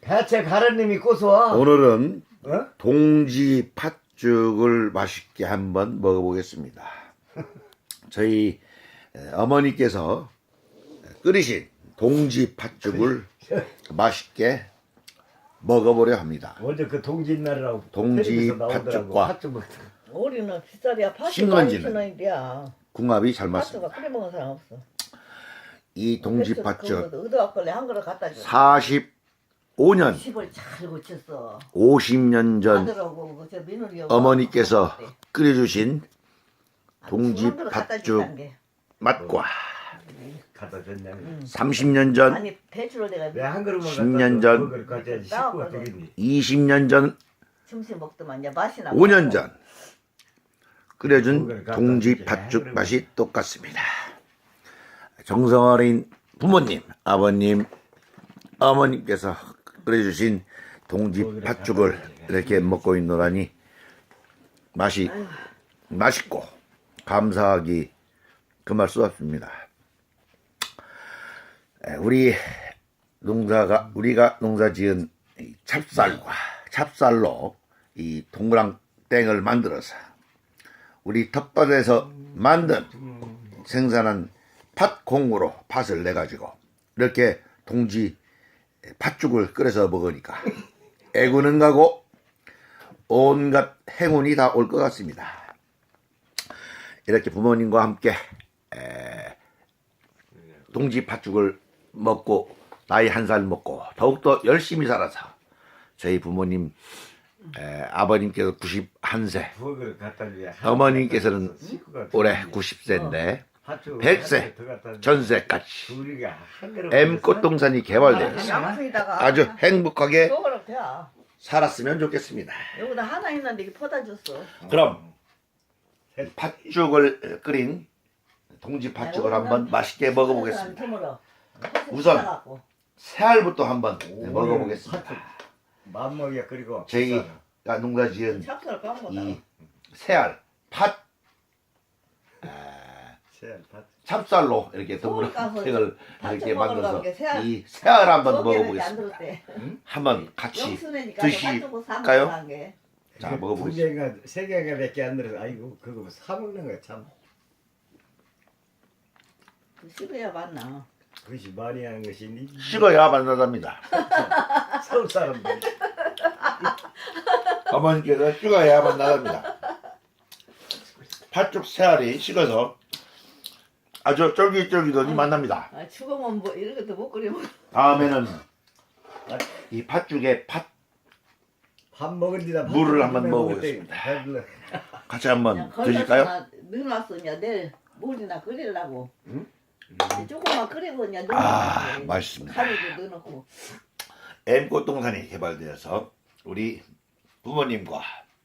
대체 가르님이 고소와. 오늘은 어? 동지 팥죽을 맛있게 한번 먹어보겠습니다. 저희 어머니께서 끓이신 동지 팥죽을 맛있게 먹어보려 합니다. 먼저 그 동짓날이라고 동지 텔레비에서 나오더라고. 팥죽과 팥죽 먹- 우리는 빗살이야. 팥죽 신건지는 50원인데야. 궁합이 잘 팥죽가 맞습니다. 끓여 먹은 사람 없어. 이 동지 팥죽 의도학걸레 한 그릇 갖다 줘. 45년, 10을 잘 고쳤어. 50년 전 아들하고 그저 며느리 어머니께서 끓여주신 동지 한 그릇 갖다 팥죽 주라는 게. 맛과 갖다 줬냐. 30년 전, 아니 배추를 내가 내 한 그릇만 10년 전, 그걸 가져야지 식구가 되겠니. 20년 전, 점심 먹더만 이제 맛이 나. 5년 전 끓여준 동지 팥죽 맛이 똑같습니다. 정성어린 부모님, 아버님, 어머님께서 끓여주신 동지 팥죽을 이렇게 먹고 있노라니 맛이 맛있고 감사하기 금할 수 없습니다. 우리가 농사지은 이 찹쌀로 이 동그랑땡을 만들어서 우리 텃밭에서 만든 생산한 팥콩으로 팥을 내 가지고 이렇게 동지 팥죽을 끓여서 먹으니까 애구는 가고 온갖 행운이 다 올 것 같습니다. 이렇게 부모님과 함께 동지 팥죽을 먹고 나이 한 살 먹고 더욱더 열심히 살아서 저희 부모님 아버님께서 91세, 그걸 갖다 줘야 어머님께서는 식구가 올해 되겠니. 90세인데 팥죽을 100세 한 그릇 더 갖다 줘. 전세까지 우리가 한 그릇 M꽃동산이 개발되어서 양푼에다가 아주 행복하게 저거로 돼야. 살았으면 좋겠습니다. 여기다 하나 있는데 이게 퍼다 줬어. 그럼 팥죽을 끓인 동지 팥죽을 한번 맛있게 먹어보겠습니다. 우선 새알부터 한번 먹어보겠습니다. 맘먹이야. 그리고 저희가 농사지은 찹쌀 까먹었다. 이 새알, 팥, 새알 팥. 찹쌀로 이렇게 동그랑땡을 팥죽 이렇게 먹으러 만들어서 가게 새알. 이 새알 한번 저기는 먹어보겠습니다. 안 들었대. 한번 같이 영순이니까 드실까요? 팥죽을 게. 자, 두 먹어보겠습니다. 개가 세 개가 밖에 안 들어서 아이고 그거 사 먹는 거야 참. 그 식어야 맞나. 그것이 말이 하는 것이니. 식어야 만나답니다. 서울 사람들. 어머니께서 식어야 만나답니다. 팥죽 새알이 식어서 아주 쫄깃쫄깃하니 만납니다. 아, 죽으면 뭐 이런 것도 못 끓여 먹어. 다음에는 이 팥죽에 팥 밥 먹은 뒤다 물을 한번 먹어보겠습니다. 같이 한번 드실까요? 넣어놨어. 이제 내일 물이나 끓이려고. 응? 조금만 끓이고 이제 아, 넣어놓고. 맛있습니다. 가루도 넣어놓고. M꽃동산이 개발되어서 우리 부모님과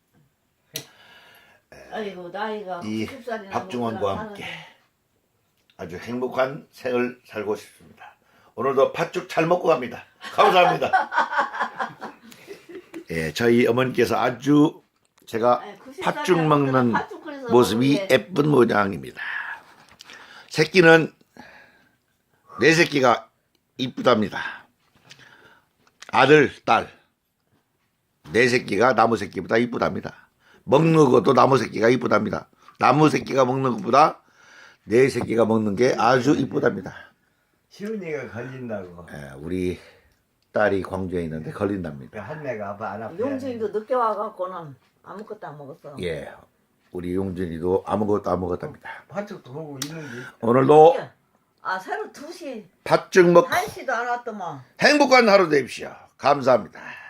아이고 나이가 이 90살이나 박중원과 함께 아주 행복한 생을 살고 싶습니다. 오늘도 팥죽 잘 먹고 갑니다. 감사합니다. 예, 저희 어머니께서 아주 제가 팥죽 먹는 모습이 예쁜 모양입니다. 새끼는 네 새끼가 이쁘답니다. 아들, 딸 네 새끼가 나무 새끼보다 이쁘답니다. 먹는 것도 나무 새끼가 이쁘답니다. 나무 새끼가 먹는 것보다 네 새끼가 먹는 게 아주 이쁘답니다. 시은이가 걸린다고. 예, 우리 딸이 광주에 있는데 걸린답니다. 한 애가 아파 안 아파. 용준이도 늦게 와갖고는 아무것도 안 먹었어. 예, 우리 용준이도 아무것도 안 먹었답니다. 팥죽도 보고 있는데. 오늘도 아 새로 2시 팥죽 먹고 1시도 안 왔더만. 행복한 하루 되십시오. 감사합니다.